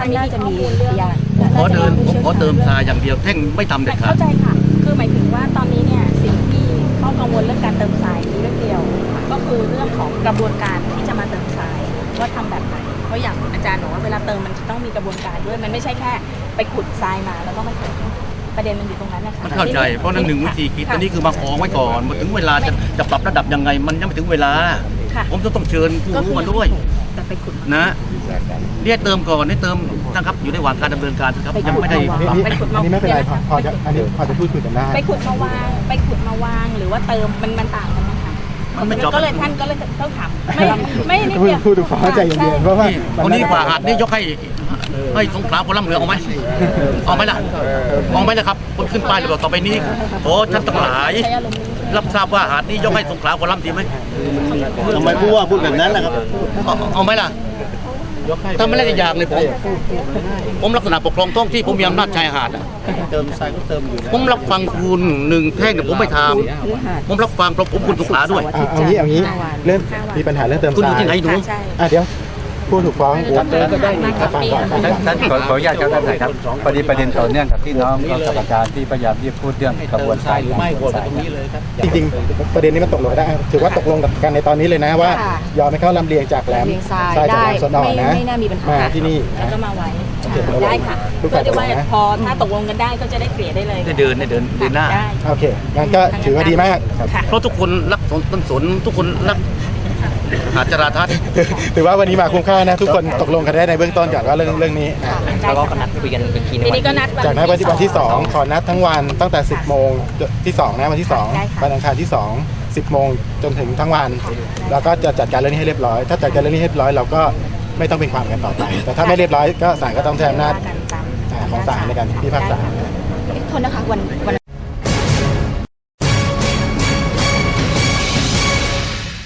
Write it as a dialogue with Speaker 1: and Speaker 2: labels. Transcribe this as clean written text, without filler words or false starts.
Speaker 1: น่าจะมีพยาน
Speaker 2: ผมขอเติมทรายอย่างเดียวแท่งไม่ทำเด็ดขาด
Speaker 3: เข้าใจค่ะคือหมายถึงว่าตอนนี้เนี่ยสิ่งที่ข้อกังวลเรื่องการเติมทรายมีเรื่องเดียวก็คือเรื่องของกระบวนการที่จะมาเติมทรายว่าทำแบบไหนเพราะอย่างอาจารย์บอกว่าเวลาเติมมันจะต้องมีกระบวนการด้วยมันไม่ใช่แค่ไปขุดทรายมาแล้วก็มาเติมประเด็นมันอยู่ตรงนั้นนะคะ
Speaker 2: มันเข้าใจเพราะนั่นหนึ่งวิธีคิดอันนี้คือมาของไว้ก่อนถึงเวลาจะปรับระดับยังไงมันยังไม่ถึงเวลาผมจะต้องเชิญผู้รู้มาด้วย
Speaker 3: แต่ไปขุด
Speaker 2: นะเรียกเติมก่อนนี่เติมนะครับอยู่ในระหว่างการดำเนินการครับยังไม่ได้
Speaker 1: ไป
Speaker 4: อันนี้ไม่เป็นไรพอจะอันนี้พอจะพูดคุยกันได้
Speaker 3: ไปขุดมาวางหรือว่าเติมมันต่างกันไหมคะ
Speaker 2: มันไม่จบ
Speaker 3: ก็เลยท่านก็เลยต้องถามไม่นิดเดียว
Speaker 4: พูดถึงฟ้าใจเย็นๆเพราะว่า
Speaker 2: วันนี้ฝ่าหาดนี่ยกให้สงขลาคนล่ำเหลือเอาไหมเอาไหมล่ะเอาไหมนะครับคนขึ้นป้ายเลยบอกต่อไปนี้โอ้ท่านทั้งหลายรับทราบว่าหาดนี้ยกให้สงขลาคนล่ำดีไหม
Speaker 5: ทำไมผู้ว่าพูดแบบนั้นล่ะครับ
Speaker 2: เอาไหมล่ะถ้าไม่ได้อย่างเลยผมลักษณะปกครองท้องที่ผมมีอำนาจชายหาด
Speaker 5: เติมทรายก็เติมอยู่
Speaker 2: ผมรับฟังคุณหนึ่งแท่งเนี่ยผมไม่ทำผมรับฟังเพราะผมคุณสงขลาด้วย
Speaker 4: เอางี้เรื่องมีปัญหาเรื่องเติม
Speaker 2: คุณ
Speaker 4: ท
Speaker 2: อยู่
Speaker 4: ราย
Speaker 2: ที่ไหนดู
Speaker 4: เดี๋ยวผู้ถูกฟ้องก็ได้ฟังก่อน
Speaker 6: ท่านขออนุญาตครับท่านนายครับพอดีประเด็นต่อเนื่องกับที่น้องกับอาจารย์ที่พยายามที่พูดเรื่องกระบวนการหรือไม่วนตรงนี้เลยครับ
Speaker 4: จริงๆประเด็นนี้มันตกลงได้ถือว่าตกลงกันในตอนนี้เลยนะว่ายอมให้เขาลำเลียงจากแหลม
Speaker 1: เรียงทราย
Speaker 4: จาก
Speaker 1: ได้
Speaker 4: แหลมสนอนะ
Speaker 1: ไม่น่ามีปัญหา
Speaker 4: มาที่นี่
Speaker 3: แล้ว
Speaker 4: นะ
Speaker 3: ก็มาไว้
Speaker 4: ได้
Speaker 3: ได้ค่ะ
Speaker 4: ทุก
Speaker 3: เพื่
Speaker 4: ฝ่า
Speaker 3: อย ที่ว่า
Speaker 4: ตกลงนะ
Speaker 3: พอถ้าตกลงกันได้ก็จะได้เกลี่ยได้เลย
Speaker 2: ได้เดินหน้า
Speaker 3: ได้
Speaker 4: โอเคงั้นก็ถือว่าดีมาก
Speaker 3: ค่ะ
Speaker 2: เพราะทุกคนรักต้นสนทุกคนรักหาดจราทัศน์
Speaker 4: ถือว่าวันนี้มาคุ้มค่านะทุกคนตกลงกันได้ในเบื้องต้นก่อนว่าเรื่องนี้
Speaker 3: แล้วก็นัดคุยกันอีกทีทีนี้ก็นัด
Speaker 4: จากนั้นวันที่2ขอนัดทั้งวันตั้งแต่ 10 โมงที่2นะวันที่2วันอังคารที่2 10 โมงจนถึงทั้งวันแล้วก็จะจัดการเรื่องนี้ให้เรียบร้อยถ้าจัดการเรื่องนี้ให้เรียบร้อยเราก็ไม่ต้องเป็นความกันต่อไปแต่ถ้าไม่เรียบร้อยก็ศาลก็ต้องใช้อำนาจของศาลในการพิพากษา
Speaker 1: โทษนะคะวัน